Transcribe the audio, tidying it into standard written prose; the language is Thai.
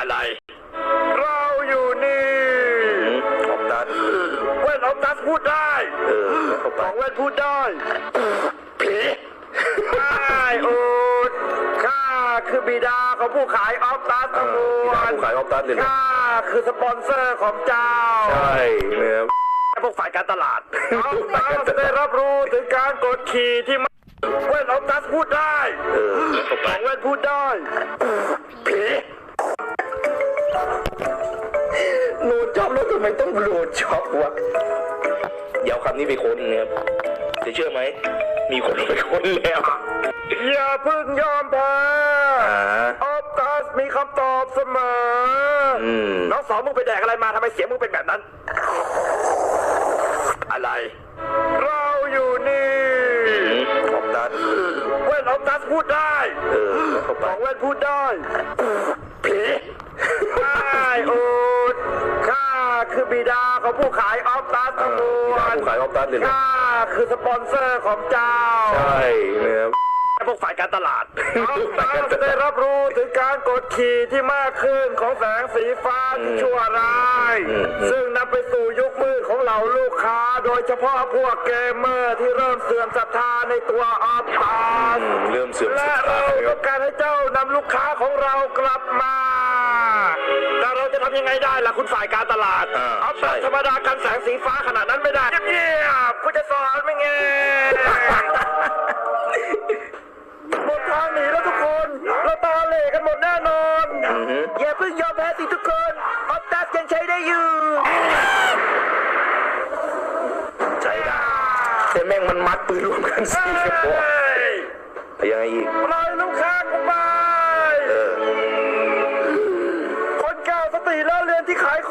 อะไรเราอยู่นี่ออกตัดเว้นออกตัดพูดได้ของเว้นพูดได้ผีไม่อูดข้าคือบิดาของผู้ขายออฟตัสทั้งมวลผู้ขายออฟตัสเลยนะข้าคือสปอนเซอร์ของเจ้าใช่นะครับพวกฝ่ายการตลาดออฟตัสได้รับรู้ถึงการกดขี่ที่เว้นออฟตัสพูดได้ของเว้นพูดได้ผีโหลดจ็อบแล้วทำไมต้องโหลดจ็อบวะเดี๋ยวคำนี้ไปค้นนะครับจะเชื่อไหมมีคนไปค้นแล้วอย่าเพิ่งยอมแพ้ออฟตัสมีคำตอบเสมอน้องสองมึงไปแดกอะไรมาทำไมเสียงมึงเป็นแบบนั้นอะไรเราอยู่นี่ออกตัดเว้นออฟตัสพูดได้ของเว้นพูดได้ผีไม่อูดข้าคือบิดาของผู้ขายออฟตัสทั้งมวลผู้ขายออฟตัสเลยนะข้าคือสปอนเซอร์ของเจ้าใช่นะครับพวกฝ่ายการตลาดออฟตัสได้รับรู้ถึงการกดขี่ที่มากขึ้นของแสงสีฟ้าที่ชั่วร้ายซึ่งนำไปสู่ยุคมืดของเหล่าลูกค้าโดยเฉพาะพวกเกมเมอร์ที่เริ่มเสื่อมศรัทธาในตัวออฟตัสเริ่มเสื่อมศรัและทธาเราต้องการให้เจ้านำลูกค้าของเรากลับมาแต่เราจะทำยังไงได้ล่ะคุณฝ่ายการตลาดออฟตัสธรรมดากันแสงสีฟ้าขนาดนั้นไม่ได้เงียบๆคุณจะสอนไม่ไงหมดทางหนีแล้วทุกคนเราตาเหล่กันหมดแน่นอนอย่าเพิ่งยอมแพ้สิทุกคนออฟตัสยังใช้ได้อยู่ใช้ได้แต่แม่งมันมัดปืนรวมกันสี่กระบอกยังไงอีกปล่อยลูกค้ากูไปคนเก่าสติแล้วเรียนที่ขาย